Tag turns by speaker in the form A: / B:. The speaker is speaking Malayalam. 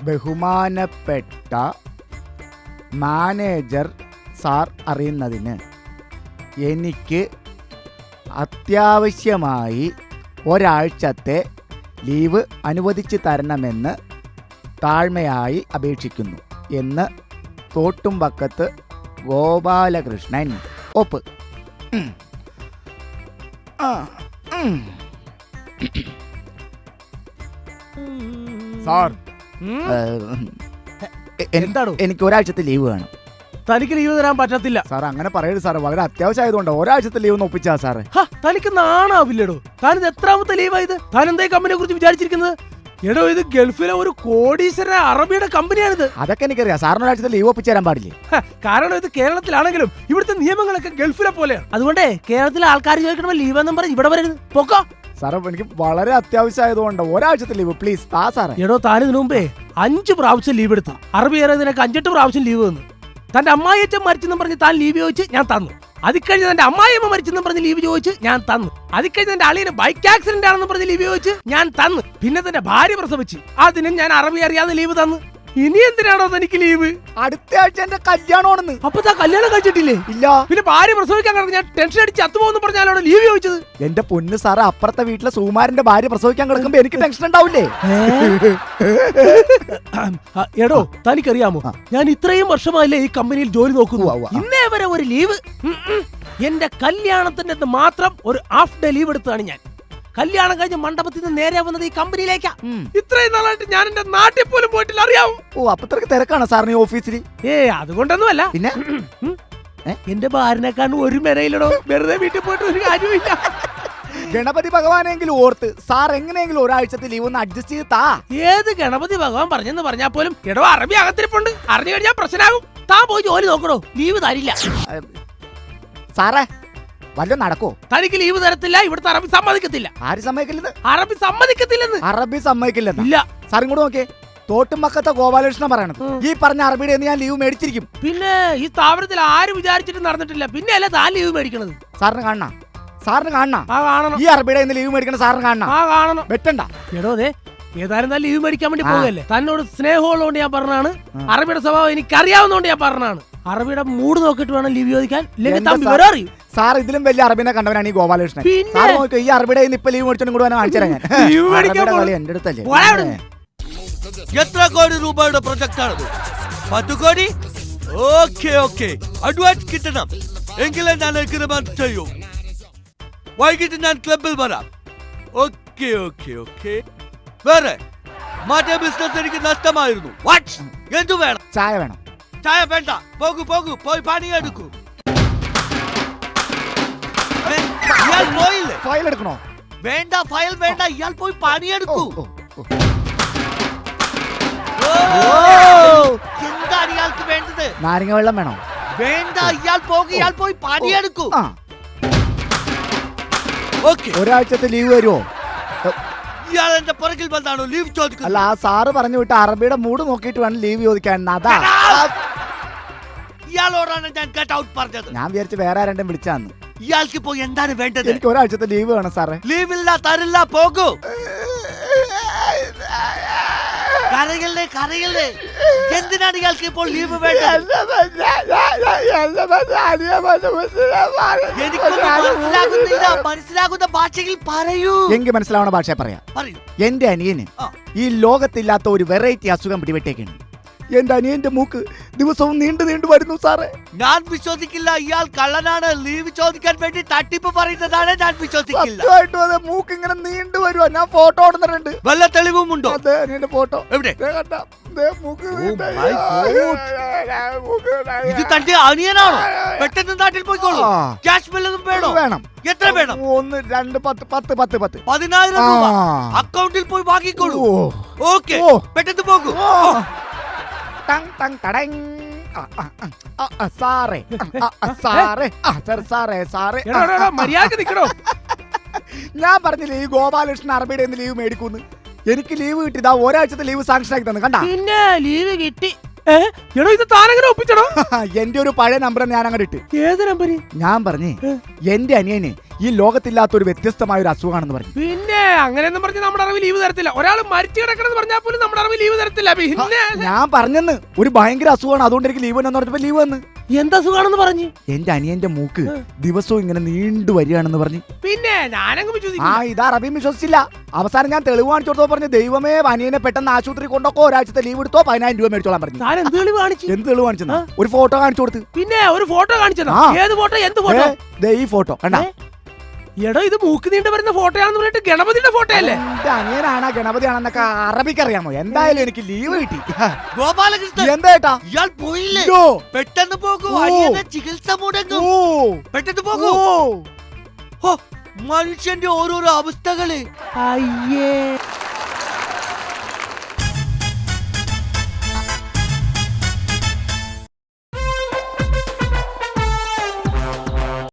A: ബഹുമാനപ്പെട്ട മാനേജർ സാർ അറിയുന്നതിന് എനിക്ക് അത്യാവശ്യമായി ഒരാഴ്ചത്തെ ലീവ് അനുവദിച്ചു തരണമെന്ന് താഴ്മയായി അപേക്ഷിക്കുന്നു എന്ന് തോട്ടുംപക്കത്ത് ഗോപാലകൃഷ്ണൻ. ഒപ്പ്.
B: സാർ
A: എന്താണോ? എനിക്ക് ഒരാഴ്ചത്തെ ലീവ് വേണം.
B: തനിക്ക് ലീവ് തരാൻ പറ്റത്തില്ല
A: സാർ. അങ്ങനെ പറയരുത് സാർ, വളരെ അത്യാവശ്യമായതുകൊണ്ട് ഒരാഴ്ചത്തെ ലീവ് ഒന്ന് ഒപ്പിച്ചാ സാറേ.
B: തനിക്ക് നാണാവില്ലടോ. താനിത് എത്രാമത്തെ ലീവായത്? താൻ എന്താ കമ്പനിയെ കുറിച്ച് വിചാരിച്ചിരിക്കുന്നത്? എടോ, ഇത് ഗൾഫിലെ ഒരു കോടീശ്വര അറബിയുടെ കമ്പനിയാണിത്.
A: അതൊക്കെ എനിക്കറിയാം. സാറിന് ഒരാഴ്ചത്തെ ലീവ് ഒപ്പിച്ചു തരാൻ പാടില്ലേ?
B: കാരണം ഇത് കേരളത്തിലാണെങ്കിലും ഇവിടുത്തെ നിയമങ്ങളൊക്കെ ഗൾഫിലെ പോലെയാണ്. അതുകൊണ്ട് കേരളത്തിലെ ആൾക്കാർ ചോദിക്കണമോ ലീവ് എന്നും പറഞ്ഞ് ഇവിടെ വരരുത്. പൊക്കോ
A: സാറേ. എനിക്ക് വളരെ അത്യാവശ്യമായതുകൊണ്ട് ഒരാഴ്ചത്തെ ലീവ് പ്ലീസ് താ സാറേ.
B: എടോ, താനിതിനു മുമ്പേ 5 പ്രാവശ്യം ലീവ് എടുത്തു. അറബി ഏറെതിനൊക്കെ 5-8 പ്രാവശ്യം ലീവ് തന്നു. തന്റെ അമ്മായിയച്ഛൻ മരിച്ചെന്നും പറഞ്ഞ് താൻ ലീവ് ചോദിച്ച് ഞാൻ തന്നു. അതിക്കഴിഞ്ഞ് തന്റെ അമ്മായിയമ്മ മരിച്ചെന്നും പറഞ്ഞ് ലീവ് ചോദിച്ച് ഞാൻ തന്നു. അതിക്കഴിഞ്ഞ് തന്റെ അളിയന് ബൈക്ക് ആക്സിഡന്റ് ആണെന്ന് പറഞ്ഞ് ലീവ് ചോദിച്ച് ഞാൻ തന്നു. പിന്നെ തന്റെ ഭാര്യ പ്രസവിച്ച് അതിനും ഞാൻ അറബി അറിയാതെ ലീവ് തന്നു. ഇനി എന്തിനാണോ തനിക്ക് ലീവ്?
A: അടുത്ത ആഴ്ച എന്റെ കല്യാണമാണെന്ന്.
B: അപ്പൊ താ കല്യാണം കഴിച്ചിട്ടില്ലേ?
A: ഇല്ല.
B: പിന്നെ ഭാര്യ പ്രസവിക്കാൻ കിടന്ന് ഞാൻ ടെൻഷൻ അടിച്ച് അത്തുപോന്ന് പറഞ്ഞാലോ ലീവ് ചോദിച്ചത്?
A: എന്റെ പൊന്ന് സാറ്, അപ്പുറത്തെ വീട്ടിലെ സുകുമാരന്റെ ഭാര്യ പ്രസവിക്കാൻ കിടക്കുമ്പോ എനിക്ക് ടെൻഷൻ ഉണ്ടാവില്ലേ?
B: എടോ, തനിക്കറിയാമോ, ഞാൻ ഇത്രയും വർഷമായില്ലേ ഈ കമ്പനിയിൽ ജോലി നോക്കുന്നു. ഇന്നേ വരെ ഒരു ലീവ് എന്റെ കല്യാണത്തിന്റെ മാത്രം ഒരു ഹാഫ് ഡേ ലീവ് എടുത്തതാണ് ഞാൻ. കല്യാണം കഴിഞ്ഞ് മണ്ഡപത്തിൽ നിന്ന് നേരെ വന്നത് ഈ കമ്പനിയിലേക്കാ. ഇത്രയും നാളായിട്ട് ഞാൻ എന്റെ നാട്ടിൽ പോലും പോയിട്ടില്ല, അറിയാവോ?
A: ഓ, അപ്പത്രക്ക് തിരക്കാണ് സാറിന് ഓഫീസിൽ?
B: അതുകൊണ്ടൊന്നുമല്ല.
A: പിന്നെ
B: എന്റെ ഭാര്യനെക്കാണ്ട് ഒരു മെനയിലടോ. വെറുതെ വീട്ടിൽ പോയിട്ട് ഒരു കാര്യമില്ല.
A: ഗണപതി ഭഗവാനെങ്കിലും ഓർത്ത് സാർ എങ്ങനെയെങ്കിലും ഒരാഴ്ചത്തെ ലീവ് ഒന്ന് അഡ്ജസ്റ്റ് ചെയ്ത് താ.
B: ഏത് ഗണപതി ഭഗവാൻ പറഞ്ഞെന്ന് പറഞ്ഞാൽ പോലും എടോ അറബി അകത്തിരിപ്പുണ്ട്. അറിഞ്ഞു കഴിഞ്ഞാൽ പ്രശ്നമാകും. താൻ പോയി ജോലി നോക്കണോ, ലീവ് തരില്ല.
A: സാറേ, വല്ലതും നടക്കോ?
B: തനിക്ക് ലീവ് തരത്തില്ല. ഇവിടുത്തെ അറബി സമ്മതിക്കത്തില്ല.
A: ആര് സമ്മതിക്കില്ലെന്ന്?
B: അറബി സമ്മതിക്കത്തില്ലെന്ന്.
A: അറബി സമ്മതിക്കില്ലെന്ന്?
B: ഇല്ല.
A: സാർ ഇങ്ങോട്ട് നോക്കിയേ. തോട്ടുംപക്കത്തെ ഗോപാലകൃഷ്ണൻ പറയണത് ഈ പറഞ്ഞ അറബിയുടെ ഞാൻ ലീവ് മേടിച്ചിരിക്കും.
B: പിന്നെ ഈ സ്ഥാപനത്തിൽ ആരും വിചാരിച്ചിട്ട് നടന്നിട്ടില്ല. പിന്നെ അല്ല താൻ ലീവ് മേടിക്കണത്.
A: സാറിന് കാണണം. സാറിന് കാണണം.
B: കാണണം.
A: ഈ അറബിയുടെ ലീവ് മേടിക്കണ സാറിന് കാണണം.
B: കാണണം.
A: വെട്ടണ്ട.
B: എടോ, അതെ ഏതായാലും താൻ ലീവ് മേടിക്കാൻ വേണ്ടി പോകല്ലേ. തന്നോട് സ്നേഹമുള്ളതുകൊണ്ട് ഞാൻ പറഞ്ഞാണ്. അറബിയുടെ സ്വഭാവം എനിക്ക് അറിയാവുന്നതുകൊണ്ട് ഞാൻ പറഞ്ഞാണ്. അറബിയുടെ മൂഡ് നോക്കിട്ട് വേണം ലീവ് ചോദിക്കാൻ. വിവരം അറിയും.
A: സാർ ഇതിലും വലിയ അറബിനെ കണ്ടവനാണ് ഈ ഗോപാലകൃഷ്ണൻ. സാർ നോക്കോ, ഈ അറബിയുടെ ഇപ്പൊ ലീവ് മേടിച്ചോണ്ട് കൂടെ കാണിച്ചു തരാം ഞാൻ. എന്റെ അടുത്തല്ലേ.
C: എത്ര കോടി രൂപയുടെ പ്രൊജക്ട് ആണത്? 10 കോടി? ഓക്കെ. അഡ്വാൻസ് കിട്ടണം. എങ്കിലേ ഞാൻ എഗ്രിമെന്റ് ചെയ്യൂ. വൈകിട്ട് ഞാൻ ക്ലബിൽ വരാം. ഓക്കെ. വേറെ മറ്റേ ബിസിനസ് എനിക്ക് നഷ്ടമായിരുന്നു. എന്തു വേണം?
A: ചായ വേണം.
C: ചായ വേണ്ട. പോകൂ പോയി പണിയെടുക്കൂ. ഇയാൾ പോയില്ലേ?
A: ഫയൽ എടുക്കണോ?
C: വേണ്ട, ഫയൽ വേണ്ട. ഇയാൾ പോയി പണിയെടുക്കൂ. എന്താണ് ഇയാൾക്ക് വേണ്ടത്?
A: നാരങ്ങ വെള്ളം വേണോ?
C: വേണ്ട, ഇയാൾ പോയി പണിയെടുക്കൂ.
A: ഒരാഴ്ചത്തെ ലീവ് വരുമോ?
C: ഇയാൾ എന്റെ പുറകിൽ വന്നാണോ ലീവ് ചോദിക്കുന്നത്?
A: അല്ല, ആ സാറ് പറഞ്ഞു വിട്ട അറബിയുടെ മൂഡ് നോക്കിയിട്ട് വേണം ലീവ് ചോദിക്കാൻ. അതാ
C: ഇയാളോടാണ് ഞാൻ ഗെറ്റ് ഔട്ട് പറഞ്ഞത്.
A: ഞാൻ വിചാരിച്ചു വേറെ ആരെങ്കിലും വിളിച്ചാന്ന്.
C: ഇയാൾക്ക് ഇപ്പോ എന്താണ് വേണ്ടത്?
A: എനിക്ക് ഒരാഴ്ചത്തെ ലീവ് വേണം സാറേ.
C: ലീവില്ല, തരില്ല. പോകൂ. കരയല്ലേ. എന്തിനാണ് ഇയാൾക്ക് ഇപ്പോൾ ലീവ് വേണ്ടത്? മനസ്സിലാകുന്ന ഭാഷയിൽ പറയൂ.
A: എനിക്ക് മനസ്സിലാവുന്ന ഭാഷ പറയാം. എന്റെ അനിയന് ഈ ലോകത്തില്ലാത്ത ഒരു വെറൈറ്റി അസുഖം പിടിപെട്ടേക്കാണ്. എന്റെ അനിയന്റെ മൂക്ക് ദിവസവും നീണ്ടു വരുന്നു സാറേ.
C: ഞാൻ വിശ്വസിക്കില്ല. ഇയാൾ കള്ളനാണ്. ലീവ് ചോദിക്കാൻ വേണ്ടി തട്ടിപ്പ് പറയുന്നതാണ്. ഞാൻ വിശ്വസിക്കില്ല.
A: മൂക്ക് ഇങ്ങനെ നീണ്ടു വരുവാ. ഞാൻ ഫോട്ടോ ഓടുന്നുണ്ട്.
C: വല്ല തെളിവുമുണ്ടോ?
A: അതെ, അനിയന്റെ ഫോട്ടോ
C: എവിടെ? ഇത് തന്റെ അനിയനാണോ? പെട്ടെന്ന് നാട്ടിൽ പോയിക്കോളൂ. ക്യാഷ് ബില്ലൊന്നും വേണം? എത്ര വേണം?
A: 1 2 10
C: 10,000 രൂപ അക്കൗണ്ടിൽ പോയി വാങ്ങിക്കോളൂ. ഓക്കെ, പെട്ടെന്ന് പോകൂ.
A: ഞാൻ പറഞ്ഞില്ലേ ഈ ഗോപാലകൃഷ്ണൻ അറബിയുടെ ലീവ് മേടിക്കൂന്ന്. എനിക്ക് ലീവ് കിട്ടിയതാ. ഒരാഴ്ചത്തെ ലീവ് സാങ്ഷൻ ആക്കി തന്നു. കണ്ടാ?
B: പിന്നെ ലീവ് കിട്ടി. ഇത് താനെങ്ങനെ ഒപ്പിച്ചടോ?
A: എന്റെ ഒരു പഴയ നമ്പർ ഞാൻ അങ്ങോട്ട് ഇട്ട്.
B: ഏത് നമ്പര്?
A: ഞാൻ പറഞ്ഞേ എന്റെ അനിയന് ഈ ലോകത്തില്ലാത്ത ഒരു വ്യത്യസ്തമായ ഒരു അസുഖമാണെന്ന് പറഞ്ഞു.
B: പിന്നെ അങ്ങനെയൊന്നും പറഞ്ഞ് നമ്മുടെ അറിവ് ലീവ് തരത്തില്ല. ഒരാൾ മരിച്ചു കിടക്കണമെന്ന് പറഞ്ഞാൽ പോലും നമ്മുടെ അറിവ് ലീവ് തരത്തില്ല. പിന്നെ
A: ഞാൻ പറഞ്ഞെന്ന് ഒരു ഭയങ്കര അസുഖമാണ്, അതുകൊണ്ട് എനിക്ക് ലീവ് എന്ന് പറഞ്ഞപ്പോ ലീവ് വന്ന്.
B: എന്താ സുഖാണെന്ന് പറഞ്ഞു?
A: എന്റെ അനിയന്റെ മൂക്ക് ദിവസവും ഇങ്ങനെ നീണ്ടു വരികയാണെന്ന് പറഞ്ഞു.
B: പിന്നെ ഞാനങ്ങ്
A: ആ ഇതാ റബിയും വിശ്വസിച്ചില്ല. അവസാനം ഞാൻ തെളിവ് കാണിച്ചു കൊടുത്തോ പറഞ്ഞു, ദൈവമേ അനിയനെ പെട്ടെന്ന് ആശുപത്രി കൊണ്ടൊക്കെ ഒരാഴ്ചത്തെ ലീവ് എടുത്തോ 10,000 രൂപ മേടിച്ചോളാൻ പറഞ്ഞു.
B: എന്ത് തെളിവ് കാണിച്ചു?
A: എന്ത് തെളിവ് കാണിച്ചെന്നാ? ഒരു ഫോട്ടോ കാണിച്ചു കൊടുത്ത്.
B: പിന്നെ ഒരു ഫോട്ടോ കാണിച്ചതാ? ഏത് ഫോട്ടോ? എന്ത് ഫോട്ടോ?
A: ഈ ഫോട്ടോ കണ്ടാ?
B: എടോ ഇത് മൂക്ക് നീണ്ട് വരുന്ന ഫോട്ടോയാണെന്ന് പറഞ്ഞിട്ട് ഗണപതിയുടെ ഫോട്ടോ അല്ലേ?
A: എന്റെ അനിയനാണ് ഗണപതിയാണെന്നൊക്കെ അറബിക്ക് അറിയാമോ? എന്തായാലും എനിക്ക് ലീവ് കിട്ടി.
C: ഗോപാലകൃഷ്ണൻ
A: എന്താ
C: ഇയാൾ പോയില്ലേ?
A: അയ്യോ.
C: പെട്ടെന്ന് പോകൂ,
A: ഓ.
C: അനിയനെ ചികിത്സ മുടങ്ങും.
A: ഓ
C: പെട്ടെന്ന് പോകൂ.
A: ഓ
C: ഹോ, മനുഷ്യന്റെ ഓരോരോ അവസ്ഥകള്.
B: അയ്യേ